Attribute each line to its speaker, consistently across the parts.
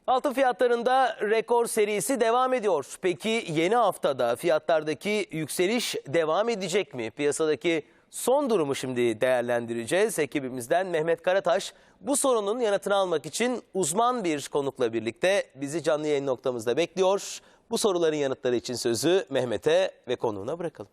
Speaker 1: Altın fiyatlarında rekor serisi devam ediyor. Peki yeni haftada fiyatlardaki yükseliş devam edecek mi? Piyasadaki son durumu şimdi değerlendireceğiz. Ekibimizden Mehmet Karataş bu sorunun yanıtını almak için uzman bir konukla birlikte bizi canlı yayın noktamızda bekliyor. Bu soruların yanıtları için sözü Mehmet'e ve konuğuna bırakalım.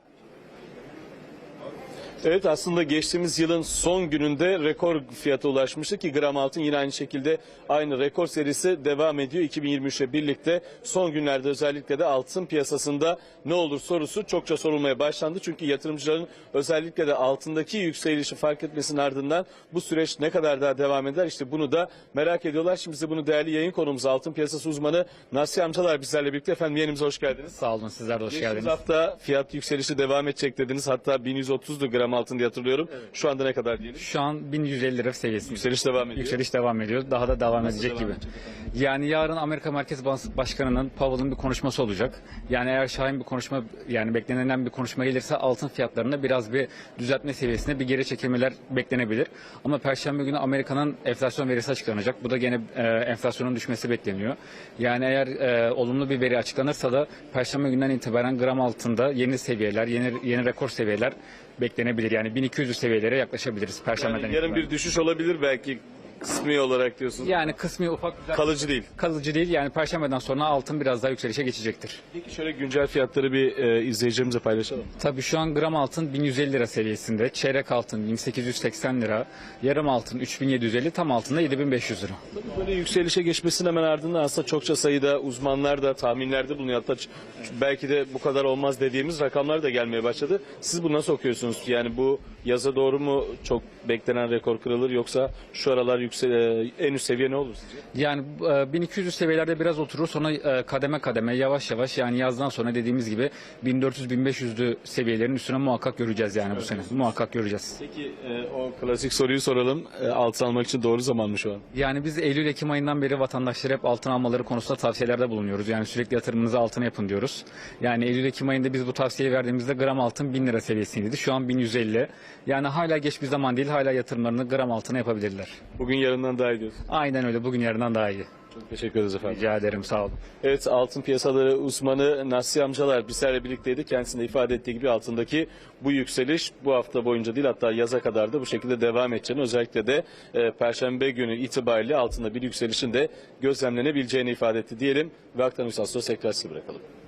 Speaker 2: Evet, aslında geçtiğimiz yılın son gününde rekor fiyata ulaşmıştı ki gram altın yine aynı şekilde aynı rekor serisi devam ediyor. 2023'le birlikte son günlerde özellikle de altın piyasasında ne olur sorusu çokça sorulmaya başlandı. Çünkü yatırımcıların özellikle de altındaki yükselişi fark etmesinin ardından bu süreç ne kadar daha devam eder, işte bunu da merak ediyorlar. Şimdi bize bunu değerli yayın konumuz altın piyasası uzmanı Nasiye Amcalar bizlerle birlikte. Efendim, yayınımıza hoş geldiniz.
Speaker 3: Sağ olun, sizler de hoş geldiniz.
Speaker 2: Geçtiğimiz hafta fiyat yükselişi devam edecek dediniz. Hatta 1130'du gram altın diye hatırlıyorum. Evet. Şu anda ne kadar diyelim?
Speaker 3: Şu an 1150 lira seviyesinde.
Speaker 2: Yükseliş devam ediyor.
Speaker 3: Yükseliş devam ediyor. Daha da devam edecek gibi. Yani yarın Amerika Merkez Bankası Başkanı'nın, Powell'ın bir konuşması olacak. Yani eğer şahin bir konuşma, yani beklenen bir konuşma gelirse altın fiyatlarında biraz bir düzeltme seviyesinde bir geri çekilmeler beklenebilir. Ama Perşembe günü Amerika'nın enflasyon verisi açıklanacak. Bu da gene enflasyonun düşmesi bekleniyor. Yani eğer olumlu bir veri açıklanırsa da Perşembe günden itibaren gram altında yeni seviyeler, yeni rekor seviyeler beklenebilir. Yani 1200 seviyelere yaklaşabiliriz Perşembe'den
Speaker 2: Yani yarın bir düşüş olabilir belki, kısmi olarak diyorsunuz.
Speaker 3: Yani kısmi ufak
Speaker 2: Kalıcı değil.
Speaker 3: kalıcı değil. Yani Perşembe'den sonra altın biraz daha yükselişe geçecektir.
Speaker 2: Peki şöyle güncel fiyatları bir izleyicilerimize paylaşalım.
Speaker 3: Tabii şu an gram altın 1150 lira seviyesinde, çeyrek altın 1880 lira, yarım altın 3750, tam altında 7500 lira.
Speaker 2: Tabii böyle yükselişe geçmesinin hemen ardından aslında çokça sayıda uzmanlar da tahminlerde bulunuyor. Hatta belki de bu kadar olmaz dediğimiz rakamlar da gelmeye başladı. Siz bunu nasıl okuyorsunuz? Yani bu yaza doğru mu çok beklenen rekor kırılır, yoksa şu aralar en üst seviye ne olur sizce?
Speaker 3: Yani 1200 seviyelerde biraz oturur, sonra kademe kademe yavaş yavaş, yani yazdan sonra dediğimiz gibi 1400-1500'lü seviyelerin üstüne muhakkak göreceğiz yani bu sene. Muhakkak göreceğiz.
Speaker 2: Peki o klasik soruyu soralım. Altın almak için doğru zaman mı şu an?
Speaker 3: Yani biz Eylül-Ekim ayından beri vatandaşlara hep altın almaları konusunda tavsiyelerde bulunuyoruz. Yani sürekli yatırımınızı altına yapın diyoruz. Yani Eylül-Ekim ayında biz bu tavsiyeyi verdiğimizde gram altın 1000 lira seviyesindeydi. Şu an 1150. Yani hala geç bir zaman değil, hala yatırımlarını gram altına yapabilirler.
Speaker 2: Bugün yarından daha iyi diyorsun.
Speaker 3: Aynen öyle, bugün yarından daha iyi.
Speaker 2: Çok teşekkür ederiz efendim.
Speaker 3: Rica ederim, sağ olun.
Speaker 2: Evet, altın piyasaları uzmanı Nasiye Amcalar bizlerle birlikteydi. Kendisinin de ifade ettiği gibi altındaki bu yükseliş bu hafta boyunca değil, hatta yaza kadar da bu şekilde devam edeceğini, özellikle de Perşembe günü itibariyle altında bir yükselişin de gözlemlenebileceğini ifade etti diyelim ve Aktan Üstad tekrar size bırakalım.